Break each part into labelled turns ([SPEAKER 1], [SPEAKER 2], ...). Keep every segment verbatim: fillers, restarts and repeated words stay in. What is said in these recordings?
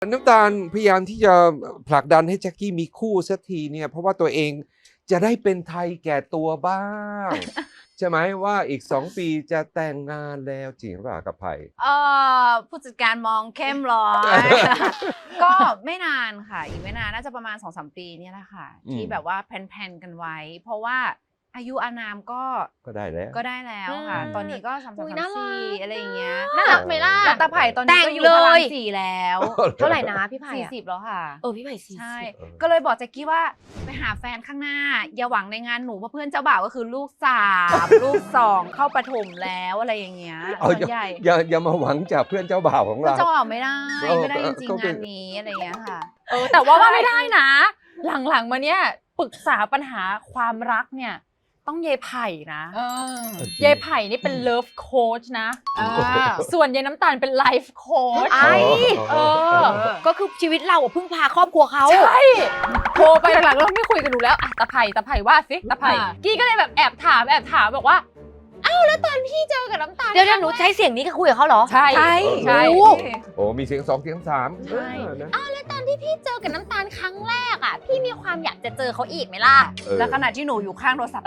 [SPEAKER 1] น้ำตาลพยายามที่จะผลักดันให้แจ็คกี้มีคู่สักทีเนี่ยเพราะว่าตัวเองจะได้เป็นไทยแก่ตัวบ้าง ใช่ไหมว่าอีกสองปีจะแต่งงานแล้วจริงหรือเปล่ากับไผ่
[SPEAKER 2] เอ่อผู้จัดการมองเข้มร้อย ก็ไม่นานค่ะ อีกไม่นานน่าจะประมาณ สองสาม ปีเนี่ยแหละค่ะ
[SPEAKER 1] อืม
[SPEAKER 2] ที่แบบว่าแพลนๆกันไว้ เพราะว่าอายุอานามก็
[SPEAKER 1] ก็ได้แล้ว
[SPEAKER 2] ก็ได้แล้วค่ะ
[SPEAKER 3] อืม
[SPEAKER 2] ตอนนี้ก็สามสาม
[SPEAKER 3] อุ๊ย
[SPEAKER 2] สาม
[SPEAKER 3] น่ารั
[SPEAKER 2] สี่
[SPEAKER 3] ก
[SPEAKER 2] อะไรอย่างเงี้ย
[SPEAKER 3] น่ารักไหมล่ะ
[SPEAKER 2] แล้วตาไผ่ตอนนี้ก็อยู่
[SPEAKER 3] แต่ง
[SPEAKER 2] พ
[SPEAKER 3] เล
[SPEAKER 2] ลัง
[SPEAKER 3] ย
[SPEAKER 2] สี่แล้ว
[SPEAKER 3] เท่าไหร่นะพี่ไผ่
[SPEAKER 2] สี่
[SPEAKER 3] อะ
[SPEAKER 2] สิบแล้วค่ะ
[SPEAKER 3] เออพี่ไผ่สี่
[SPEAKER 2] ใช่
[SPEAKER 3] สิบ
[SPEAKER 1] เออ
[SPEAKER 2] ก็เลยบอกแจ็คกี้ว่าไปหาแฟนข้างหน้า อย่าหวังในงานหนูเพราะเพื่อนเจ้าบ่าวก็คือลูกสาม ลูกสองเข้าประถมแล้วอะไรอย่างเงี้ย
[SPEAKER 1] เอา
[SPEAKER 2] ส่วนใหญ่
[SPEAKER 1] อย่าอย่ามาหวังจากเพื่อนเจ้าบ่าวของ
[SPEAKER 2] เพื่อน
[SPEAKER 1] เรา
[SPEAKER 2] เจ้าบ่าวไม่ได้
[SPEAKER 1] เออ
[SPEAKER 2] ไม่ได้จริง
[SPEAKER 1] ก็
[SPEAKER 2] ๆ
[SPEAKER 1] เป็น
[SPEAKER 2] งานนี้อะไรอย่างเงี้ยค่ะ
[SPEAKER 3] เออแต่ว่าว่าไม่ได้นะ หลังๆมาเนี้ยปรึกษาปัญหาความรักเนี่ยต้องเยายไผ่นะ
[SPEAKER 2] เออ
[SPEAKER 3] เยายไผ่นี่เป็นเลิฟโค้ชนะ
[SPEAKER 2] อ่า
[SPEAKER 3] ส่วนเยายน้ำตาลเป็นไลฟ์โค้ช
[SPEAKER 1] ไอ้
[SPEAKER 3] เออ
[SPEAKER 4] ก็คือชีวิตเราอะพึ่งพาครอบครัวเขา
[SPEAKER 3] ใช่โทรไปหลังๆเราไม่คุยกันหนูแล้วอ่ะตาไผ่ตาไผ่ว่าสิตาไผ่
[SPEAKER 2] อ่ะ
[SPEAKER 3] กี้ก็เลยแบบแอบถามแอบถามบอกว่าอ้าวแล้วตอนพี่เจอกับน้ำตาล
[SPEAKER 4] เดี๋ยวเดี๋ยวหนูใช้เสียงนี้ก็คุยกับเขาเหรอ
[SPEAKER 3] ใช่
[SPEAKER 4] ใช่
[SPEAKER 3] ใช่
[SPEAKER 4] โอ้
[SPEAKER 1] โอ้มีเสียงสองเสียงสาม
[SPEAKER 3] ใช่
[SPEAKER 1] เออนะ
[SPEAKER 3] อ้าวแล้วตอนที่พี่เจอกับน้ำตาลครั้งแรกอ่ะพี่มีความอยากจะเจอเขาอีกไหมล่ะ
[SPEAKER 1] เออ
[SPEAKER 2] แล้วขณะที่หนูอยู่ข้างโทรศัพท์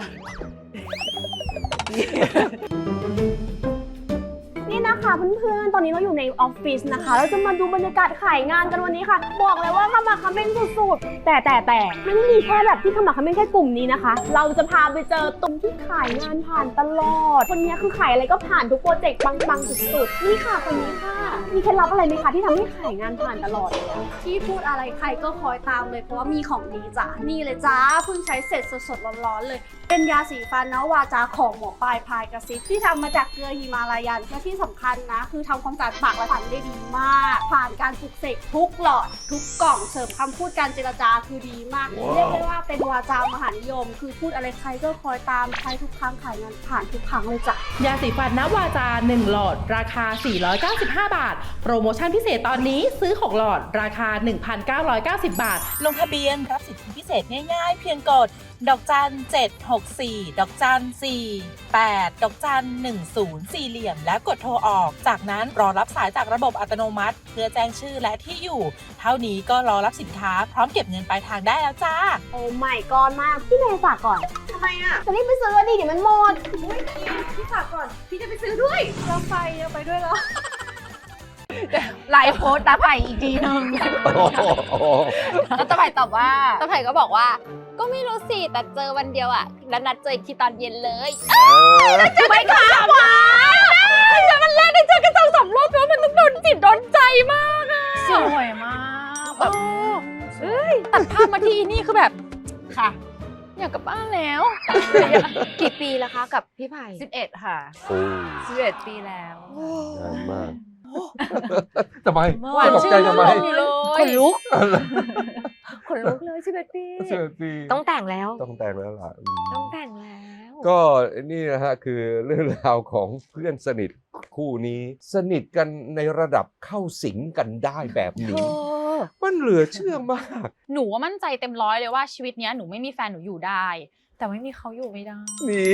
[SPEAKER 5] นี่นะคะเพื่อนๆ ตอนนี้เราอยู่ในออฟฟิศนะคะ เราจะมาดูบรรยากาศขายงานกันวันนี้ค่ะ บอกเลยว่าขมักเขม้นสุดๆ แต่แต่แต่ไม่ได้มีแค่แบบที่ขมักเขม้นแค่กลุ่มนี้นะคะ เราจะพาไปเจอตรงที่ขายงานผ่านตลอด คนนี้คือขายอะไรก็ผ่านทุกโปรเจกต์ปังๆสุดๆ นี่ค่ะคนนี้ค่ะ มีเคล็ดลับอะไรไหมคะที่ทำให้ขายงานผ่านตลอดเลยอะ
[SPEAKER 6] ที่พูดอะไรใครก็คอยตามเลยเพราะว่ามีของดีจ้ะนี่เลยจ้าเพิ่งใช้เสร็จสดๆร้อนๆเลย เป็นยาสีฟันนะวาจาของหมอปลายพายกระซิบที่ทำมาจากเกลือฮิมาลายันและที่สำคัญนะ คือทำความสะอาดปากและฟันได้ดีมาก ผ่านการปลุกเสกทุกหลอด ทุกกล่องเสริมคำพูดการเจรจาคือดีมาก เรียกได้ว่าเป็นวาจามหานิยม คือพูดอะไรใครก็คอยตามใช้ทุกครั้งขายงานผ่านทุกครั้งเลยจ้ะ
[SPEAKER 7] ยาสีฟันนวาจาหนึ่งหลอดราคา สี่ร้อยเก้าสิบห้า บาท โปรโมชั่นพิเศษตอนนี้ซื้อ หก หลอดราคา หนึ่งพันเก้าร้อยเก้าสิบ บาท
[SPEAKER 8] ลงทะเบียนรับสิทธิพิเศษง่ายๆ เพียงกด ดอกจันเจ็ดหกสี่ ดอกจันสี่ แปด ดอกจันหนึ่งศูนย์สี่เหลี่ยมแล้วกดโทรออก จากนั้นรอรับสายจากระบบอัตโนมัติ เพื่อแจ้งชื่อและที่อยู่ เท่านี้ก็รอรับสินค้าพร้อมเก็บเงินปลายทางได้แล้วจ้า
[SPEAKER 5] โอ้ไม่ก่อนมาก พี่เมย์ฝากก่อน
[SPEAKER 6] ทำไมอ่ะ
[SPEAKER 5] จะรีบไปซื้อดิเดี๋ยวมันหมด
[SPEAKER 6] พี่ฝากก่อน พี่จะไปซื้อด้วยเราไปเราไปด้วยเหรอ
[SPEAKER 2] ไลฟ์โค้ดตาไผ่อีกทีนึง
[SPEAKER 1] โอ้โห
[SPEAKER 2] แล้วตาไผ่ตอบว่า
[SPEAKER 3] ตาไผ่ก็บอกว่าก็ไม่รู้สิแต่เจอวันเดียวอ่ะแล้วนัดเจออีกทีตอนเย็นเลย
[SPEAKER 1] เออ
[SPEAKER 3] จะไปค่ะหวานแต่มันแรกได้เจอกันสองสามรอบแล้วมันต้องโดนจิตโดนใจมากอ่ะ
[SPEAKER 2] สวยมากแบบ
[SPEAKER 3] เอ้ยตัดภาพมาที่นี่คือแบบ
[SPEAKER 2] ค่ะ
[SPEAKER 3] อยากกลับบ้านแล้ว
[SPEAKER 4] กี่ปีแล้วคะกับพี่ไผ่
[SPEAKER 2] สิบเอ็ดค่ะ
[SPEAKER 1] โอ้
[SPEAKER 2] สิบเอ็ดปีแล้ว
[SPEAKER 1] นานมากทำไม
[SPEAKER 3] หวาน
[SPEAKER 1] ตก
[SPEAKER 3] ชื่
[SPEAKER 1] ใจ
[SPEAKER 3] น
[SPEAKER 1] ทำไม
[SPEAKER 3] ลมอยู่เลย
[SPEAKER 4] ขนลุก
[SPEAKER 2] ขนลุกเลยสิบเอ็ดปี
[SPEAKER 1] เสือปี
[SPEAKER 4] ต้องแต่งแล้ว
[SPEAKER 1] ต้องแต่งแล้วล่ะอืม
[SPEAKER 4] ต้องแต่งแล้ว
[SPEAKER 1] ก็นี่นะฮะคือเรื่องราวของเพื่อนสนิทคู่นี้ สนิทกันในระดับเข้าสิงกันได้แบบ
[SPEAKER 4] เธ
[SPEAKER 1] นี้
[SPEAKER 4] อ
[SPEAKER 1] มันเหลือเชื่อมาก
[SPEAKER 3] หนูว่ามั่นใจเต็มร้อยเลยว่าชีวิตเนี้ยหนูไม่มีแฟนหนูอยู่ได้ แต่ไม่มีเขาอยู่ไม่ได้
[SPEAKER 1] นี่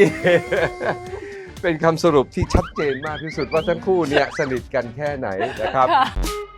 [SPEAKER 1] เป็นคำสรุปที่ชัดเจนมากที่สุดว่าทั้งคู่เนี่ยสนิทกันแค่ไหนนะครับ
[SPEAKER 3] ค่ะ